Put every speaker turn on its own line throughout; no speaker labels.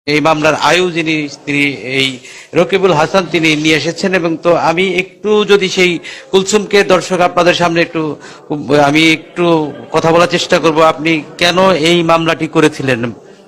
এই মামলার আয়ু যিনি তিনি এই রকিবুল হাসান তিনি নিয়ে এসেছেন। এবং তো আমি একটু যদি সেই কুলসুমকে দর্শক আপনাদের সামনে আমি একটু কথা বলার চেষ্টা করব। আপনি কেন এই মামলাটি করেছিলেন?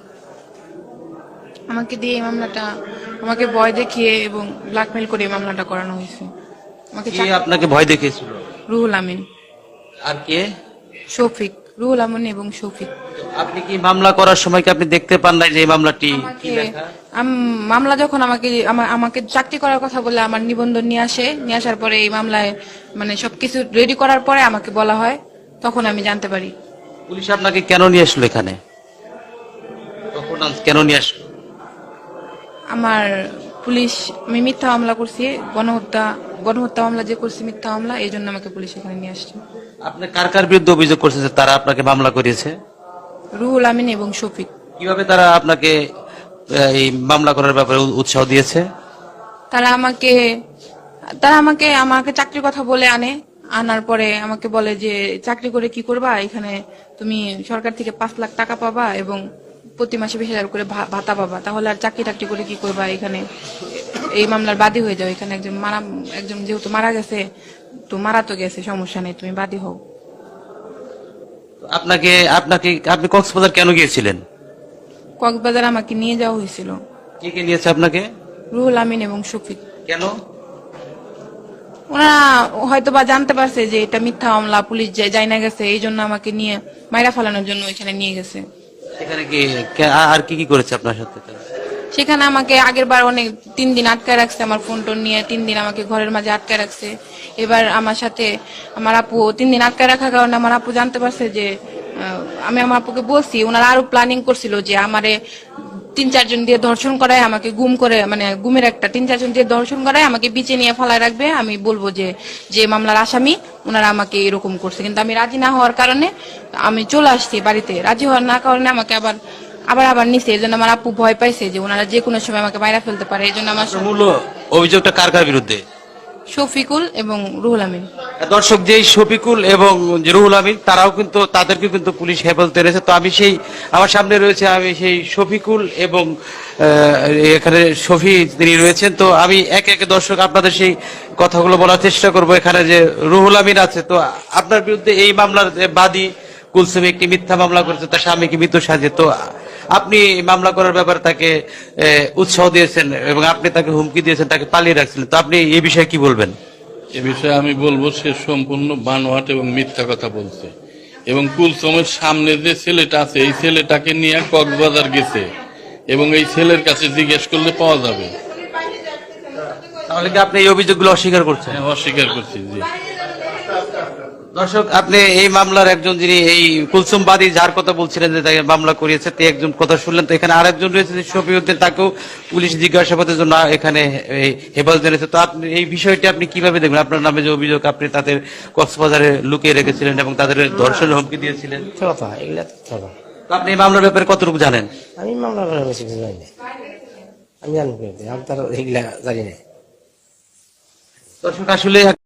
আমাকে দিয়ে এই মামলাটা, আমাকে ভয় দেখিয়ে এবং ব্ল্যাকমেল করে এই মামলাটা করানো হয়েছে। আমাকে
কে আপনাকে ভয় দেখিয়েছিল?
রুহুল আমিন,
আর কে?
শফিক, রুহুল আমিন এবং শফিক।
আপনি কি মামলা করার সময় কি আপনি দেখতে পান নাই যে এই মামলাটি কি লেখা?
মামলা যখন আমাকে চাকরি করার কথা বলে আমার নিবন্ধন নিয়ে আসার পরে এই মামলায় মানে সবকিছু রেডি করার পরে আমাকে বলা হয়, তখন আমি জানতে পারি।
পুলিশ আপনাকে কেন নিয়ে আসলো এখানে? তখন কেন নিয়ে আসলো?
আমার পুলিশ, আমি মিথ্যা মামলা করছি, গণহত্যা মামলা যে করছি, মিথ্যা মামলা, এই জন্য আমাকে পুলিশ এখানে নিয়ে আসছে।
আপনি কার কার বিরুদ্ধে অভিযোগ করছেন যে তারা আপনাকে মামলা করিয়েছে?
রুহুল আমিন এবং শফিক।
কিভাবে তারা আপনাকে এই মামলা করার ব্যাপারে উৎসাহ দিয়েছে?
তারা আমাকে আমাকে চাকরির কথা বলে আনার পরে আমাকে বলে যে চাকরি করে কি করবা, এখানে তুমি সরকার থেকে 5 লাখ টাকা পাবা এবং প্রতি মাসে 20,000 করে ভাতা পাবা, তাহলে আর চাকরি টাকরি করে কি করবা, এখানে এই মামলার বাদী হয়ে যাও, এখানে একজন যেহেতু মারা গেছে, তো মারা তো গেছে, সমস্যা নেই, তুমি বাদী হও।
আপনি কক্সবাজার কেন গিয়েছিলেন?
কক্সবাজার আমাকে নিয়ে যাওয়া হয়েছিল।
কে কে নিয়েছে আপনাকে?
রুহুল আমিন এবং শফিক।
কেন?
ওনারা হয়তো বা জানতে পারছে যে এটা মিথ্যা মামলা, পুলিশ যাই না গেছে, এই জন্য আমাকে নিয়ে মাইরা ফেলানোর জন্য এখানে নিয়ে গেছে।
সেখানে কি আর কি কি করেছে আপনার সাথে?
সেখানে আমাকে আগের বার 3 দিন আটকায় রাখছে, আমার ফোন টোন নিয়ে 3 দিন আমাকে ঘরের মাঝে আটকায় রাখছে। এবার আমার সাথে আমার আপু 3 দিন আটকায় রাখার কারণে আমার আপু জানতে পারছে যে আমি আমার আপুকে বলছি, ওনারা আরো প্ল্যানিং করছিল যে আমারে 3-4 জন দিয়ে ধর্ষণ করায়, আমাকে গুম করে, মানে গুমের একটা 3-4 জন দিয়ে ধর্ষণ করায় আমাকে বিচে নিয়ে ফেলায় রাখবে, আমি বলবো যে যে মামলার আসামি ওনারা আমাকে এরকম করছে। কিন্তু আমি রাজি না হওয়ার কারণে আমি চলে আসছি বাড়িতে। রাজি হওয়ার না কারণে আমাকে আবার নিছে। এই জন্য আমার আপু ভয় পাইছে যে ওনারা যে কোনো সময় আমাকে মাইরা ফেলতে পারে, এই জন্য আমার
মূল অভিযোগটা কার কার বিরুদ্ধে?
শফিকুল এবং রুহুল আমিন।
দর্শক, যেই শফিকুল এবং রুহুল আমিন তাদেরকে কিন্তু পুলিশ হেফাজতে রয়েছে। তো আমার সামনে রয়েছে আমি সেই শফিকুল এবং এখানে শফি তিনি রয়েছেন। তো আমি একে একে দর্শক আপনাদের সেই কথাগুলো বলার চেষ্টা করব। এখানে যে রুহুল আমিন আছে, তো আপনার বিরুদ্ধে এই মামলার বাদী কুলসুম একটি মিথ্যা মামলা করেছে, তার স্বামীকে মৃত সাজে। তো আপনি মামলা করার ব্যাপারে তাকে উৎসাহ দিয়েছেন এবং আপনি তাকে হুমকি দিয়েছেন, তাকে পালিয়ে রাখছিলেন। তো আপনি এই বিষয়ে কি বলবেন?
এ বিষয়ে আমি বলবো, সে সম্পূর্ণ বানোয়াট এবং মিথ্যা কথা বলছে। এবং কুলসুমের সামনে যে ছেলেটা আছে, এই ছেলেটাকে নিয়ে কক্সবাজার গেছে এবং এই ছেলের কাছে জিজ্ঞেস করলে পাওয়া যাবে।
তাহলে কি আপনি এই অভিযোগগুলো অস্বীকার করছেন?
হ্যাঁ, অস্বীকার করছি। জি
দর্শক, আপনি এই মামলার একজন যিনি এই কুলসুম বাদী যার কথা বলছিলেন যে তাকে মামলা করিয়েছে, তে একজন কথা শুনলেন। তো এখানে আরেকজন রয়েছে শফিউদ্দিন, তাকেও পুলিশ জিজ্ঞাসাবাদের জন্য এখানে হেফাজতে এনেছে। তো আপনি এই বিষয়টি আপনি কিভাবে দেখবেন? আপনার নামে যে অভিযোগ, আপনি তাদের কক্সবাজারে লুকিয়ে রেখেছিলেন এবং তাদের ধর্ষণের হুমকি দিয়েছিলেন। তো আপনি এই মামলার ব্যাপারে কতটুকু জানেন?
আমি মামলা করে বেশি কিছু জানি না। আমি জানি, আমি তার এগুলা জানি না।
দর্শক, আসলে